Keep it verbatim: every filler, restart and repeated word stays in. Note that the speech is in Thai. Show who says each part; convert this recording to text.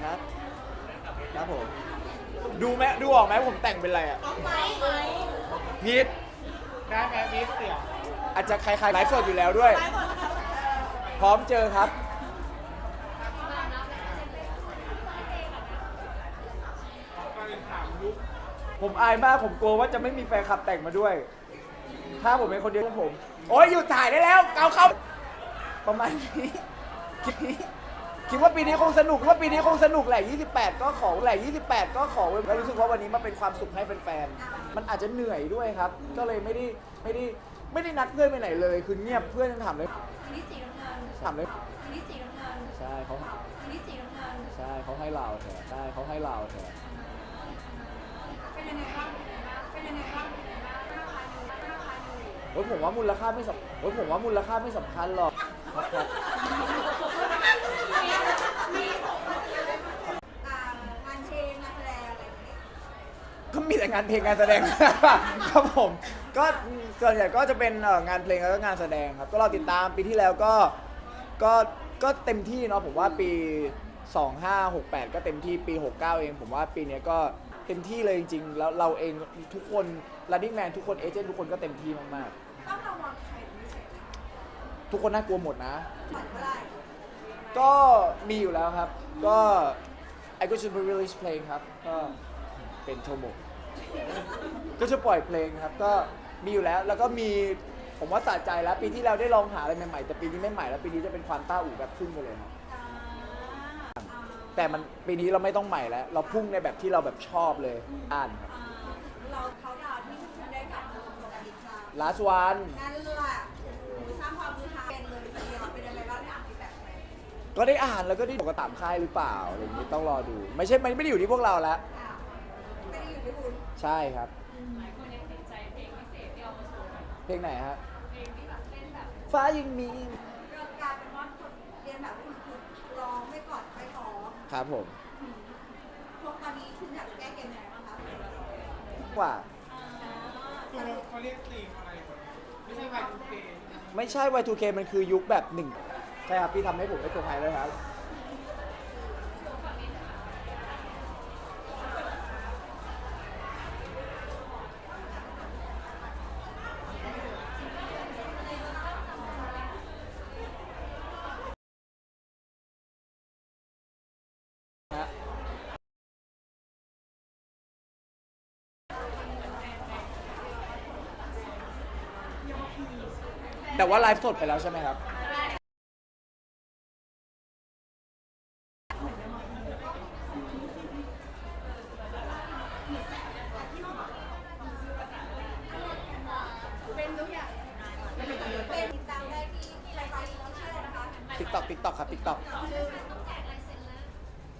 Speaker 1: ครับครับผมดูไหมดูออกไหมผมแต่งเป็นอะไรอ่ะพีทได้ไหมพีทเสียงอาจจะใครๆไลฟ์สดอยู่แล้วด้วย พร้อมเจอครับผมอายมากผมกลัวว่าจะไม่มีแฟนคลับแต่งมาด้วย ถ้าผมเป็นคนเดียวผมโอ้ยหยุดถ่ายได้แล้วเกาเข้าประมาณนี้คิดคิดว่าปีนี้คงสนุกว่าปีนี้คงสนุกแหละยี่สิบแปดก็ขอแหละยี่สิบแปดก็ขอแล้วรู้สึกว่าวันนี้มันเป็นความสุขให้แฟนๆมันอาจจะเหนื่อยด้วยครับ ก็เลยไม่ได้ไม่ได้ไม่ได้นัดเพื่อนไปไหนเลยคือเงียบเพื่อนยังถามเลยถามเลยใช่เขาใช่เขาให้เราเถอะใช่เขาให้เราเถอะโอ้ยผมว่ามูลค่าไม่สำโอ้ยผมว่ามูลค่าไม่สำคัญหรอกก็มีแต่งานเพลงงานแสดงครับผมก็ส่วนใหญ่ก็จะเป็นงานเพลงแล้วก็งานแสดงครับก็เราติดตามปีที่แล้วก็ก็ก็เต็มที่เนาะผมว่าปีสองห้าหกแปดก็เต็มที่ปีหกเก้าเองผมว่าปีนี้ก็เต็มที่เลยจริงๆแล้วเราเองทุกคน running man ทุกคนเอเจนต์ทุกคนก็เต็มที่มากๆทุกคนน่ากลัวหมดนะก็มีอยู่แล้วครับก็ I go to release เพลงครับก็เป็นโทโมะก็จะปล่อยเพลงครับก็มีอยู่แล้วแล้วก็มีผมว่าสะใจแล้วปีที่แล้วได้ลองหาอะไรใหม่ๆแต่ปีนี้ไม่ใหม่แล้วปีนี้จะเป็นความต้าอู่แบบพุ่งไปเลยครับแต่มันปีนี้เราไม่ต้องใหม่แล้วเราพุ่งในแบบที่เราแบบชอบเลยอ่านครับ
Speaker 2: เราเขาดาวที่คุณได้กลับมาลงกับอีกครั้ง
Speaker 1: last one
Speaker 2: นั่นแหละสร้างความมือฮาเป็นเลยทีเดียวเป็นอะไรบ้างได้อ่านฟีดแบ็กไหม
Speaker 1: ก็ได้อ่านแล้วก็ได้บอกกระตามค่ายหรือเปล่าอะไรอย่างนี้ต้องรอดูไม่ใช่มันไม่ได้อยู่ที่พวกเราแล้ว
Speaker 2: ไม่ได้อยู่ที่คุณ
Speaker 1: ใช่ครับ
Speaker 3: หลายคนยังติดใจเพลงพิเศษที่เอามาโชว์
Speaker 1: เพลงไหนฮะ
Speaker 3: เพลงที่แบบเล่นแบบ
Speaker 1: ฟ้ายังมี
Speaker 2: เรื่องการเป็นว่าคนเรียนแบบคุณคือร้องไม่กอดไม่ท้อ
Speaker 1: ครับผม
Speaker 2: พวกตอนนี้คุณอยากแก้เกมยังไงบ้างคะ
Speaker 1: ว่า
Speaker 4: เขาเรียกตีมอะไรไม่ใช่ วาย ทู เค
Speaker 1: ไม่ใช่ วาย ทู เค มันคือยุคแบบหนึ่งใช่ครับพี่ทำให้ผมได้เซอร์ไพรส์เลยครับแต่ว่าไลฟ์สดไปแล้วใช่ไหมครับ
Speaker 2: เป็นทุกอย่างเป็นติดตามได้ที่ที่ไลฟ์สไตล์ที่เชื่อนะคะ
Speaker 1: ติ๊กต็อกติ๊กต็อกครับติ๊กต็อก